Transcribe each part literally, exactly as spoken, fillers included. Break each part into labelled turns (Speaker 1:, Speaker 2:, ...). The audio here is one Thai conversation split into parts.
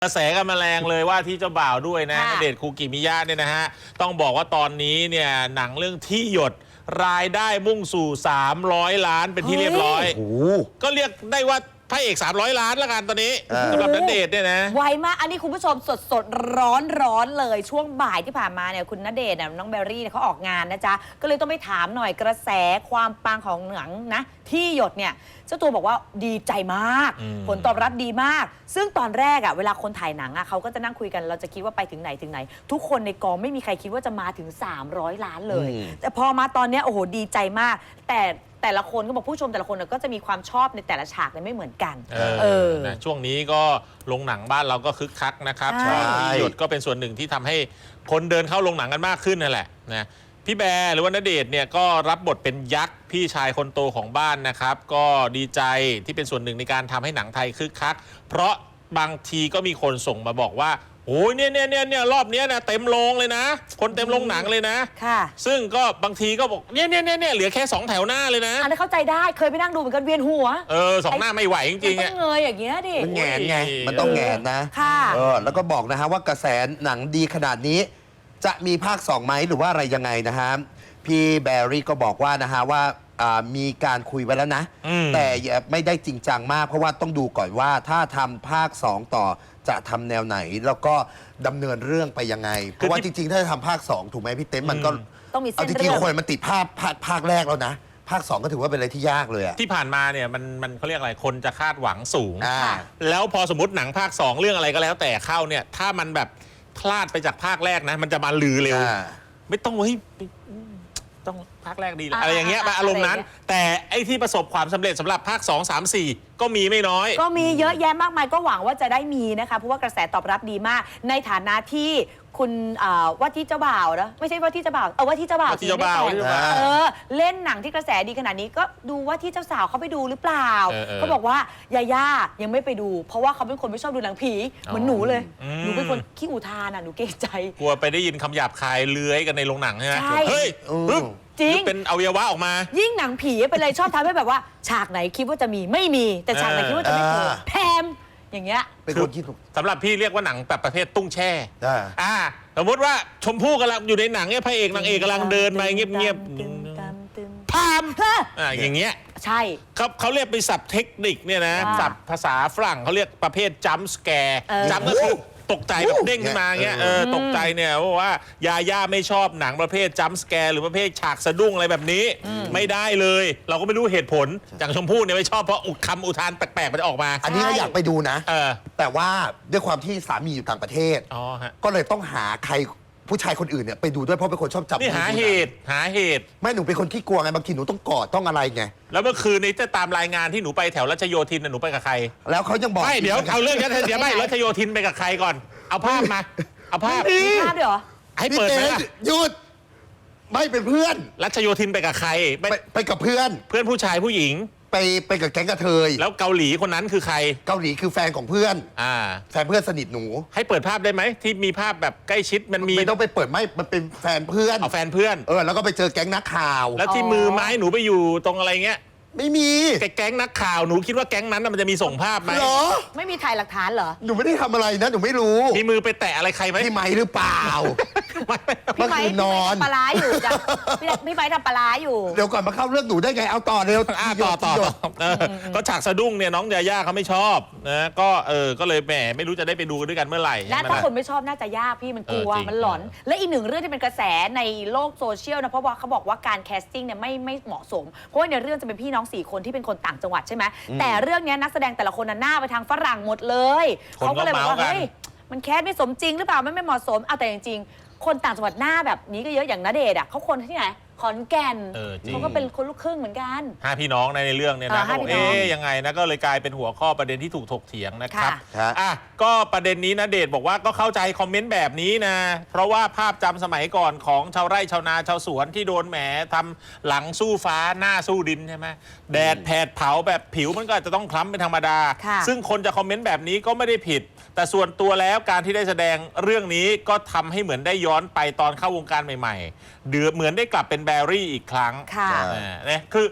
Speaker 1: กระแสกันมาแรงเลยว่าที่เจ้าบ่าวด้วยนะณเดชน์คูกิมิยะเนี่ยนะฮะต้องบอกว่าตอนนี้เนี่ยหนังเรื่องที่หยดรายได้มุ่งสู่สามร้อยล้านเป็นที่เรียบร้อยก็เรียกได้ว่าพระเอกสามร้อยล้านแล้วกันตอนนี้สำหรับณเดชน์เนี่ยนะ
Speaker 2: ไวมากอันนี้คุณผู้ชมสดสดร้อนร้อนเลยช่วงบ่ายที่ผ่านมาเนี่ยคุณณเดชน์น้องเบลลี่เขาออกงานนะจ๊ะก็เลยต้องไปถามหน่อยกระแสความปังของหนังนะที่หยดเนี่ยเจ้าตัวบอกว่าดีใจมากผลตอบรับดีมากซึ่งตอนแรกอ่ะเวลาคนถ่ายหนังอ่ะเขาก็จะนั่งคุยกันเราจะคิดว่าไปถึงไหนถึงไหนทุกคนในกองไม่มีใครคิดว่าจะมาถึงสามร้อยล้านเลยแต่พอมาตอนนี้โอ้โหดีใจมากแต่แต่ละคนก็บอกผู้ชมแต่ละคนก็จะมีความชอบในแต่ละฉากไม่เหมือนกันเออ
Speaker 1: นะช่วงนี้ก็โรงหนังบ้านเราก็คึกคักนะครับที่หยดก็เป็นส่วนหนึ่งที่ทำให้คนเดินเข้าโรงหนังกันมากขึ้นนั่นแหละนะพี่แบร์หรือว่าณเดชน์เนี่ยก็รับบทเป็นยักษ์พี่ชายคนโตของบ้านนะครับก็ดีใจที่เป็นส่วนหนึ่งในการทำให้หนังไทยคึกคักเพราะบางทีก็มีคนส่งมาบอกว่าโอ้ยเนี่ยเนี่ยเนี่ยเนี่ยรอบนี้นะเต็มโรงเลยนะคนเต็มโรงหนังเลยนะ
Speaker 2: ค่ะ
Speaker 1: ซึ่งก็บางทีก็บอกเนี่ยเนี่ยเนี่ยเหลือแค่สองแถวหน้าเลยนะ
Speaker 2: อันนี้เข้าใจได้เคยไปนั่งดูเหมือนกันเวียนหัว
Speaker 1: เออสองหน้าไม่ไหวจริงๆ
Speaker 2: มันต้องเงยอย่างเงี้ยดิ
Speaker 3: มันแงนไงมันต้องแงนนะ
Speaker 2: ค่ะ
Speaker 3: เออแล้วก็บอกนะฮะว่ากระแสหนังดีขนาดนี้จะมีภาคสองไหมหรือว่าอะไรยังไงนะฮะพี่แบรี่ก็บอกว่านะฮะว่ามีการคุยไว้แล้วนะแต่ไม่ได้จริงจังมากเพราะว่าต้องดูก่อนว่าถ้าทำภาคสองต่อจะทำแนวไหนแล้วก็ดำเนินเรื่องไปยังไงเพราะว่าจริงๆถ้าจะทำภาคสองถูกไหมพี่เต้นมันก็
Speaker 2: ต้องมีเส้นเรื่องจ
Speaker 3: ริงๆคนมันติดภาคภาคแรกแล้วนะภาคสองก็ถือว่าเป็นอะไรที่ยากเลยอะ
Speaker 1: ที่ผ่านมาเนี่ยมันมันเขาเรียกอะไรคนจะคาดหวังสูงแล้วพอสมมติหนังภาคสองเรื่องอะไรก็แล้วแต่เข้าเนี่ยถ้ามันแบบพลาดไปจากภาคแรกนะมันจะมาลือเร็วไม่ต้องเฮ้ยต้องภาคแรกดีเลยอะไรอย่างเงี้ยอารมณ์นั้นแต่ไอ้ที่ประสบความสำเร็จสำหรับภาคสอง สาม สี่ก็มีไม่น้อย
Speaker 2: ก็มีเยอะแยะมากมายก็หวังว่าจะได้มีนะคะเพราะว่ากระแสตอบรับดีมากในฐานะที่คุณว่าที่เจ้าบ่าวนะไม่ใช่ว่าที่เจ้าบ่าวเออว่าที่เจ้าบ่าว
Speaker 1: ที่เจ้าบ่าว
Speaker 2: เออเล่นหนังที่กระแสดีขนาดนี้ก็ดูว่าที่เจ้าสาวเขาไปดูหรือเปล่าเขาบอกว่ายาย่ายังไม่ไปดูเพราะว่าเขาเป็นคนไม่ชอบดูหนังผีเหมือนหนูเลยหนูเป็นคนขี้อุทานอ่ะหนูเกรงใจ
Speaker 1: กลัวไปได้ยินคำหยาบคายเลื้อยกันในโรงหนังใช่ไหมเฮ้ย
Speaker 2: จริง
Speaker 1: เป็นอวัยวะออกมา
Speaker 2: ยิ่งหนังผีเป็นอะไรชอบทำให้แบบว่าฉากไหนคิดว่าจะมีไม่มีแต่ฉากไหนคิดว่าจะไม่มีแพมอย่างเงี้ย
Speaker 3: เป็นคนคิด
Speaker 1: สำหรับพี่เรียกว่าหนังแบบประเภทตุ้งแช่อ่าสมมติว่าชมพู่กำลังอยู่ในหนังเนี่ยพระเอกนางเอกกำลังเดินมาเงียบๆพามอ่าอย่างเงี้ย
Speaker 2: ใช่
Speaker 1: เขาเขาเรียกเป็นศัพท์เทคนิคเนี่ยนะศัพท์ภาษาฝรั่งเขาเรียกประเภทจัมป์สแกร์จัมป์ก็คือตกใจแบบเด้งขึ้นมาเงี้ยเออตกใจเนี่ยเพราะว่ายาย่าไม่ชอบหนังประเภทจัมป์สแกร์หรือประเภทฉากสะดุ้งอะไรแบบนี้ไม่ได้เลยเราก็ไม่รู้เหตุผลอย่างชมพู่เนี่ยไม่ชอบเพราะคำอุทานแปลกๆมันจะออกมา
Speaker 3: อันนี้ก็อยากไปดูนะ
Speaker 1: เออ
Speaker 3: แต่ว่าด้วยความที่สามีอยู่ต่างประเทศก็เลยต้องหาใครผู้ชายคนอื่นเนี่ยไปดูด้วยเพราะเป็นคนชอบจับ
Speaker 1: นี่หาเหตุหาเหตุ
Speaker 3: ไม่หนูเป็นคนขี้กลัวไงบางทีหนูต้องกอดต้องอะไรไง
Speaker 1: แล้วเมื่อคืนนี้จะตามรายงานที่หนูไปแถวรัชโยธินหนูไปกับใคร
Speaker 3: แล้วเขายังบอก
Speaker 1: ไม่เดี๋ยวเอาเรื่องนั้นเดี๋ยวไม่รัชโยธินไปกับใครก่อนเอาภาพมาเอาภาพ
Speaker 2: มีภาพด้วยเหรอ
Speaker 1: ให้เปิดไหม
Speaker 3: หยุดไม่เป็นเพื่อน
Speaker 1: รัชโยธินไปกับใคร
Speaker 3: ไปกับเพื่อน
Speaker 1: เพื่อนผู้ชายผู้หญิง
Speaker 3: ไปไปกับแก๊งกระเทย
Speaker 1: แล้วเกาหลีคนนั้นคือใคร
Speaker 3: เกาหลีคือแฟนของเพื่อน
Speaker 1: อ่า
Speaker 3: แฟนเพื่อนสนิทหนู
Speaker 1: ให้เปิดภาพได้ไหมที่มีภาพแบบใกล้ชิดมันมี
Speaker 3: ไม่ต้องไปเปิดไม่มันเป็นแฟนเพื่อน
Speaker 1: เอาแฟนเพื่อน
Speaker 3: เออแล้วก็ไปเจอแก๊งนักข่าว
Speaker 1: แล้วที่มือไม้หนูไปอยู่ตรงอะไรเงี้ย
Speaker 3: ไม่มี
Speaker 1: แก๊งนักข่าวหนูคิดว่าแก๊งนั้นมันจะมีส่งภาพไหม
Speaker 3: หรอ
Speaker 2: ไม่มีถ่ายหลักฐานเหรอ
Speaker 3: หนูไม่ได้ทำอะไรนะหนูไม่รู้
Speaker 1: มีมือไปแตะอะไรใครไหม
Speaker 3: พี่ไม้หรือเปล่า
Speaker 2: พี่ไม้นอนปลาอยู่จ้ะพี่ไม้ทำปลาอยู่
Speaker 3: เดี๋ยวก่อนมาเข้าเรื่องหนูได้ไงเอาต่อเร็ว
Speaker 1: ต่อต่อก็ฉากสะดุ้งเนี่ยน้องยาย่าเขาไม่ชอบนะก็เออก็เลยแหมไม่รู้จะได้ไปดูด้วยกันเมื่อไหร่
Speaker 2: และถ้าคนไม่ชอบน่าจะยากพี่มันกลัวมันหลอนและอีกหนึ่งเรื่องที่เป็นกระแสในโลกโซเชียลนะเพราะว่าเขาบอกว่าการแคสติ้งเนี่ยไม่ไม่เหมาะสมเพราะว่าในเรื่องจะเป็นพี่น้องสี่คนที่เป็นคนต่างจังหวัดใช่ไหมแต่เรื่องนี้นักแสดงแต่ละคนน่ะหน้าไปทางฝรั่งหมดเลยเขาก็เลยบอกว่าเฮ้ยมันแคสไม่สมจริงหรือเปล่าไม่ไม่เหมาะสมเอาแต่จริงๆคนต่างจังหวัดหน้าแบบนี้ก็เยอะอย่างณเดชน์อ่ะเขาคนที่ไหนขอนแก่นเขาก็เป็นคนลูกครึ่งเหมือนกัน
Speaker 1: ห้าพี่น้องในเรื่องเนี่ยนะเขาบอกเอ๊ยยังไงนะก็เลยกลายเป็นหัวข้อประเด็นที่ถูกถกเถียงนะครับอ่ะก็ประเด็นนี้ณเดชน์บอกว่าก็เข้าใจคอมเมนต์แบบนี้นะเพราะว่าภาพจำสมัยก่อนของชาวไร่ชาวนาชาวสวนที่โดนแหมทำหลังสู้ฟ้าหน้าสู้ดินใช่ไหมแดดแผดเผาแบบผิวมันก็จะต้องคล้ำเป็นธรรมดาซึ่งคนจะคอมเมนต์แบบนี้ก็ไม่ได้ผิดแต่ส่วนตัวแล้วการที่ได้แสดงเรื่องนี้ก็ทำให้เหมือนได้ย้อนไปตอนเข้าวงการใหม่ๆเดือเหมือนได้กลับเป็นแบรี่อีกครั้ง
Speaker 2: ค่ะ
Speaker 1: เนี่ยคือ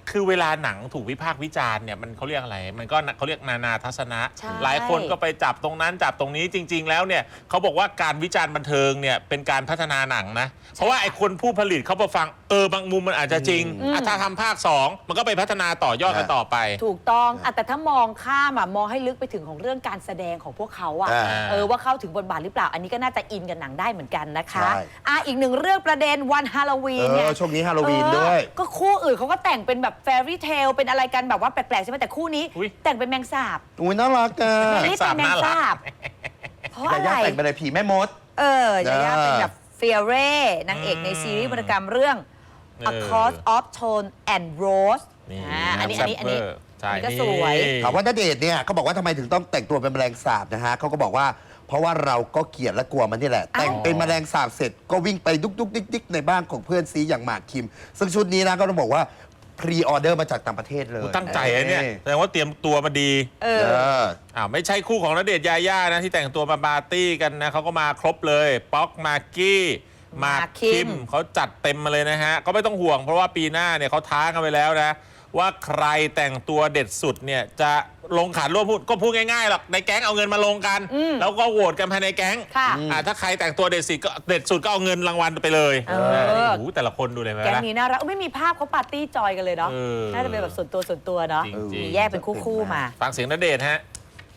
Speaker 1: คือเวลาหนังถูกวิพากษ์วิจารณ์เนี่ยมันเขาเรียกอะไรมันก็เขาเรียกนานาทัศนะ
Speaker 2: ใช่
Speaker 1: หลายคนก็ไปจับตรงนั้นจับตรงนี้จริง ๆ แล้วเนี่ยเขาบอกว่าการวิจารณ์บันเทิงเนี่ยเป็นการพัฒนาหนังนะเพราะว่าไอ้คนผู้ผลิตเขาไปฟังเออบางมุมมันอาจจะจริงอ่ะถ้าทำภาคสองมันก็ไปพัฒนาต่อยอดกันต่อไป
Speaker 2: ถูกต้องอ่ะแต่ถ้ามองข้ามอ่ะมองให้ลึกไปถึงของเรื่องการแสดงของพวกเขาอ่ะ
Speaker 3: อ่า
Speaker 2: เออว่าเข้าถึงบทบาทหรือเปล่าอันนี้ก็น่าจะอินกับหนังได้เหมือนกันนะคะ
Speaker 3: ใช่
Speaker 2: อ่ะอีกหนึ่งเรื่องประเด็นวันฮาโลวี
Speaker 3: เอน
Speaker 2: เนี่ย
Speaker 3: อช่วงนี้ฮาโลวีนด้วย
Speaker 2: เออก็คู่อื่นเขาก็แต่งเป็นแบบแฟรี่เทลเป็นอะไรกันแบบว่าแปลกๆใช่ไหมแต่คู่นี้
Speaker 1: อุ๊ย
Speaker 2: แต่งเป็นแมงสาบ
Speaker 3: อุ้ยน่ารักอ่ะ
Speaker 2: ไม่ได้เป็นแมงสาบเพราะอะ
Speaker 3: ยา
Speaker 2: ไร
Speaker 3: ย่าแต่งเป็นอะไรผีแม่มด
Speaker 2: เออยาย่า
Speaker 3: เออ
Speaker 2: เป็นแบบเฟียเร่นางเอกในซีรีส์วรรณกรรมเรื่อง
Speaker 1: เออ
Speaker 2: Across of Tone and Rose
Speaker 1: นี่
Speaker 2: อ่าอันนี้อันนี้อันนี้
Speaker 1: ใช่
Speaker 2: อันนี้ก็สวย
Speaker 3: ถามว่าณเดชน์เนี่ยเขาบอกว่าทำไมถึงต้องแต่งตัวเป็นแมลงสาบนะฮะเขาก็บอกว่าเพราะว่าเราก็เกลียดและกลัวมันนี่แหละ
Speaker 2: อ้าว
Speaker 3: แต่งเป็นแมลงสาบเสร็จก็วิ่งไปดุกดุกดิกดิกในบ้านของเพื่อนซีอย่างหมากคิม ซึ่งชุดนี้นะก็ต้องบอกว่าพรีออเดอร์มาจากต่างประเทศเลย
Speaker 1: ตั้งใจนะเนี่ยแสดงว่าเตรียมตัวมาดี
Speaker 2: เอ
Speaker 3: เอ
Speaker 2: อ
Speaker 3: อ
Speaker 1: อ้าวไม่ใช่คู่ของณเดชน์ยาย่านะที่แต่งตัวมาปาร์ตี้กันนะเขาก็มาครบเลยป๊อกมากกี้หมากคิมเขาจัดเต็มมาเลยนะฮะก็ไม่ต้องห่วงเพราะว่าปีหน้าเนี่ยเขาท้ากันไปแล้วนะว่าใครแต่งตัวเด็ดสุดเนี่ยจะลงขันร่วมพูดก็พูดง่ายๆหรอกในแก๊งเอาเงินมาลงกัน แล้วก็โหวตกันภายในแก๊ง
Speaker 2: ค่ะ
Speaker 1: อ่าถ้าใครแต่งตัวเด็ดสุดก็เด็ดสุดก็เอาเงินรางวัลไปเลย
Speaker 2: เออ
Speaker 1: โอ้โหแต่ละคนดูเลยไหม
Speaker 2: แก๊ง
Speaker 1: ล่ะ
Speaker 2: นี้น่ารักไม่มีภาพเขาปาร์ตี้จอยกันเลยเนาะ
Speaker 1: เออ
Speaker 2: น่าจะเป็นแบบส่วนตัวส่วนตัวเนาะ
Speaker 1: จริงๆ
Speaker 2: มีแยกเป็นคู่ๆมา
Speaker 1: ฟังเสียงณเดชน์ฮะ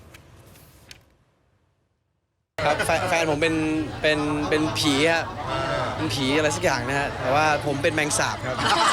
Speaker 4: ครับแฟนแฟนผมเป็นเป็นเป็นผีฮะเป็นผีอะไรสักอย่างนะฮะแต่ว่าผมเป็นแมงสาบครับ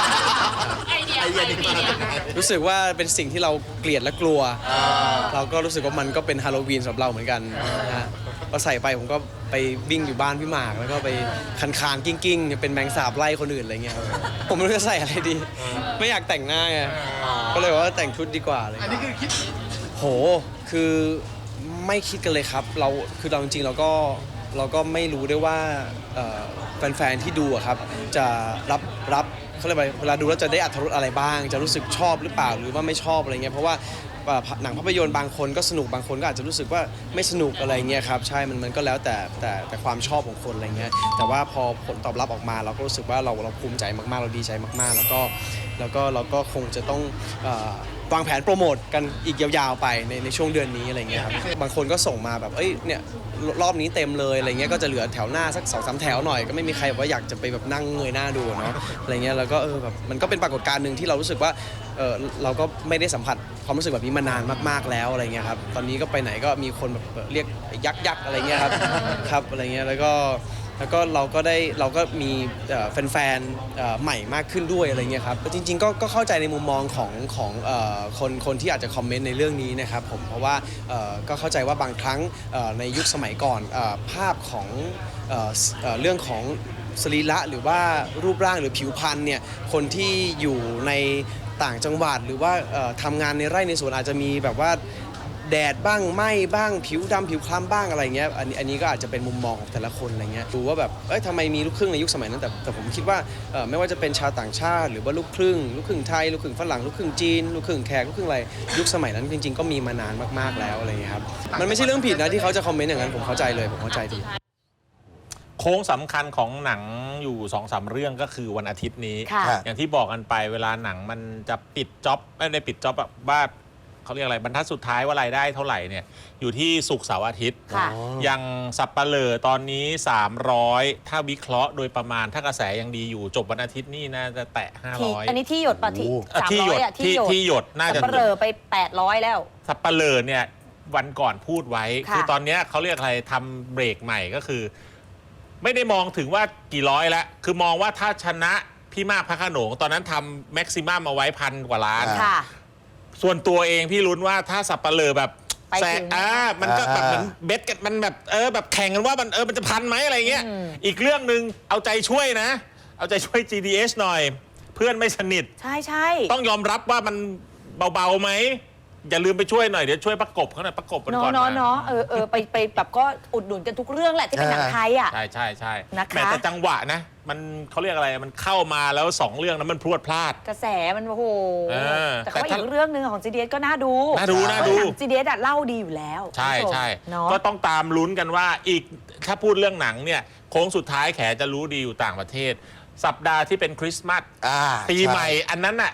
Speaker 4: รู้สึกว่าเป็นสิ่งที่เราเกลียดและกลัว เราก็รู้สึกว่ามันก็เป็นฮาโลวีนสำหรับเราเหมือนกันนะฮะพอใส่ไปผมก็ไปวิ่งอยู่บ้านพี่หมากแล้วก็ไปคันคานๆกิ้งกิ้งๆเป็นแมงสาบไล่คนอื่นอะไรเงี้ยครับผมไม่รู้จะใส่อะไรดี ไม่อยากแต่งหน้าไงก็เลยว่าแต่งชุดดีกว่าเลยอันนี้คือคิดโหคือไม่คิดกันเลยครับเราคือเราจริงๆเราก็เราก็ไม่รู้ด้วยว่าเอ่อแฟนๆที่ดูอะครับจะรับรับเขาเรียกว่าเวลาดูแล้วจะได้อรรถรสอะไรบ้าง จะรู้สึกชอบหรือเปล่าหรือว่าไม่ชอบอะไรเงี้ยเพราะว่าเอ่อหนังภาพยนตร์บางคนก็สนุกบางคนก็อาจจะรู้สึกว่าไม่สนุกอะไรเงี้ยครับใช่มันมันก็แล้วแต่แต่แต่ความชอบของคนอะไรเงี้ยแต่ว่าพอผลตอบรับออกมาเราก็รู้สึกว่าเราเราภูมิใจมากๆเราดีใจมากๆ แล้วก็แล้วก็เราก็คงจะต้องเอ่อวางแผนโปรโมทกันอีกยาวๆไปในในช่วงเดือนนี้อะไรเงี้ยครับบางคนก็ส่งมาแบบเอ้ยเนี่ยรอบนี้เต็มเลยอะไรเงี้ยก็จะเหลือแถวหน้าสักสองสามแถวหน่อยก็ไม่มีใครว่าอยากจะไปแบบนั่งเงยหน้าดูเนาะอะไรเงี้ยแล้วก็เออแบบมันก็เป็นปรากฏการณ์หนึ่งที่เรารู้สึกว่าเออเราก็ไม่ได้สัมผัสความรู้สึกแบบนี้มานานมากๆแล้วอะไรเงี้ยครับตอนนี้ก็ไปไหนก็มีคนแบบเรียกยักษ์ยักษ์อะไรเงี้ยครับ ครับอะไรเงี้ยแล้วก็แล้วก็เราก็ได้เราก็มีเอ่อแฟนๆเอ่อใหม่มากขึ้นด้วยอะไรเงี้ยครับจริงๆก็ก็เข้าใจในมุมมองของของเอ่อคนคนที่อาจจะคอมเมนต์ในเรื่องนี้นะครับผมเพราะว่าเอ่อก็เข้าใจว่าบางครั้งเอ่อในยุคสมัยก่อนเอ่อภาพของเอ่อเอ่อเรื่องของสรีระหรือว่ารูปร่างหรือผิวพรรณเนี่ยคนที่อยู่ในต่างจังหวัดหรือว่าเอ่อทำงานในไร่ในสวนอาจจะมีแบบว่าแดดบ้างไหม้บ้างผิวดำผิวคล้ำบ้างอะไรเงี้ยอันนี้อันนี้ก็อาจจะเป็นมุมมองของแต่ละคนอะไรเงี้ยดูว่าแบบเอ้ยทำไมมีลูกครึ่งในยุคสมัยนั้นแต่แต่ผมคิดว่าเอ่อไม่ว่าจะเป็นชาวต่างชาติ หรือว่าลูกครึ่งลูกครึ่งไทยลูกครึ่งฝรั่งลูกครึ่งจีนลูกครึ่งแขกลูกครึ่งอะไรยุคสมัยนั้นจริงๆก็มีมานานมากๆแล้วอะไรเงี้ยครับมันไม่ใช่เรื่องผิดนะที่เขาจะคอมเมนต์อย่างนั้นผมเข้าใจเลยผมเข้าใจดี
Speaker 1: โค้งสำคัญของหนังอยู่สองสามเรื่องก็คือวันอาทิตย์นี้
Speaker 2: ค่ะ
Speaker 1: อย่างที่บอกกันไปเวลาหนังมันจะปิดจ็อบไม่ได้ปิดจ็อบแบบว่าเขาเรียกอะไรบรรทัดสุดท้ายว่ารายได้เท่าไหร่เนี่ยอยู่ที่ศุกร์เสาร์อาทิตย์
Speaker 2: ค่ะ
Speaker 1: อย่างสับปะเลอตอนนี้ สามร้อย ถ้าวิเคราะห์โดยประมาณถ้ากระแสยังดีอยู่จบวันอาทิตย์นี่น่าจะแตะ ห้า
Speaker 2: ที่
Speaker 1: ร้อย
Speaker 2: อันนี้ที่หยดปะที่
Speaker 3: โอ้
Speaker 2: สาม
Speaker 1: ที่หย
Speaker 2: ร้อ
Speaker 1: ด
Speaker 2: ยอะ
Speaker 1: ที่ที่หยดน่าจะ
Speaker 2: สับปะเหร่อไปแปดร้อยแล้ว
Speaker 1: สับปะเลอเนี่ยวันก่อนพูดไว้
Speaker 2: ค่ะ
Speaker 1: คือตอนเนี้ยเขาเรียกอะไรทำเบรกใหม่ก็คือ ไม่ได้มองถึงว่ากี่ร้อยแล้ว คือมองว่าถ้าชนะพี่มากพระโขนงตอนนั้นทำแม็กซิมัมเอาไว้พันกว่าล้าน
Speaker 3: อ่า
Speaker 2: ค่ะ
Speaker 1: ส่วนตัวเองพี่ลุ้นว่าถ้าสับปะเลอแบบ
Speaker 2: ไป
Speaker 1: แซ
Speaker 2: ถึง
Speaker 1: อ่ามันก็แบบ
Speaker 3: อ่า
Speaker 1: เหมือนเบสกันมันแบบเออแบบแข่งกันว่ามันเออมันจะพันไหมอะไรเงี้ย
Speaker 2: อืม
Speaker 1: อีกเรื่องหนึ่งเอาใจช่วยนะ เอาใจช่วย จี ดี เอส หน่อย เพื่อนไม่สนิท
Speaker 2: ใช่ใช่
Speaker 1: ต้องยอมรับว่ามันเบาๆไหมอย่าลืมไปช่วยหน่อยเดี๋ยวช่วยประกบเขาหน่อยประกบกัน
Speaker 2: เนาะ
Speaker 1: ก่อน
Speaker 2: เนาะ
Speaker 1: มา
Speaker 2: เนาะเออเออไปไปแบบก็อุดหนุนกันทุกเรื่องแหละที่เป็นหนังไทยอ่ะ
Speaker 1: ใช่ใช่ใช่
Speaker 2: นะคะ
Speaker 1: แม้แต่จังหวะนะ มันเขาเรียกอะไรมันเข้ามาแล้วสองเรื่องนั้นมันพรวดพลาด
Speaker 2: กระแสมันโอ้โห
Speaker 1: เออ
Speaker 2: แต่เขา
Speaker 1: แต่
Speaker 2: อี
Speaker 1: ถ้า
Speaker 2: กเรื่องหนึ่งของ จี ดี เอส ก็น่าดู
Speaker 1: น่าดูน่าดู
Speaker 2: จี ดี เอส อะเล่าดีอยู่แล้ว
Speaker 1: ใช่
Speaker 2: คุณผู้ม
Speaker 1: ใช่
Speaker 2: เนาะ
Speaker 1: ก็ต้องตามลุ้นกันว่าอีกถ้าพูดเรื่องหนังเนี่ยโค้งสุดท้ายแขจะรู้ดีอยู่ต่างประเทศ สัปดาห์ที่เป็นคริสต์มาส
Speaker 3: อ่า
Speaker 1: ปีใหม่อันนั้นน่ะ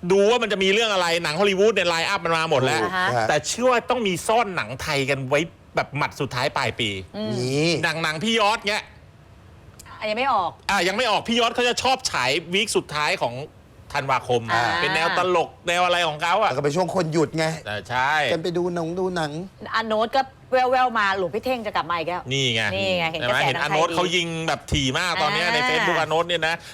Speaker 1: ดูว่ามันจะมีเรื่องอะไรหนังฮอลลีวูดเนี่ยไลน์อัพมันมาหมดแล้ว
Speaker 2: อ่าฮะ
Speaker 1: แต่เชื่อว่าต้องมีซ่อนหนังไทยกันไว้แบบหมัดสุดท้ายปลายปี
Speaker 3: นี่
Speaker 1: หนังหนังพี่ยอดเงี้ย
Speaker 2: อ่ะยังไม่ออก
Speaker 1: อ่ะยังไม่ออกพี่ยอดเขาจะชอบฉายวีคสุดท้ายของธันวาคม
Speaker 2: อ่า
Speaker 1: เป็นแนวตลกแนวอะไรของเขาอ่ะ
Speaker 3: แล้วก็เป็นช่วงคนหยุดไง
Speaker 1: แต่ใช่
Speaker 3: กันไปดูหนังดูหนัง
Speaker 2: อันโน้ตก็แววๆมาหลวงพี่เท่งจะกลับมาอีกแล้ว
Speaker 1: นี่ไง
Speaker 2: นี่ไงเห็น
Speaker 1: ใช่ไหม
Speaker 2: กระแส
Speaker 1: เห็น
Speaker 2: หนัง
Speaker 1: อาโนต
Speaker 2: ไทยดี
Speaker 1: เขายิงแบบถี่มากตอนเนี้ยใน
Speaker 2: อ่า
Speaker 1: Facebook อาโนตเนี่ยนะ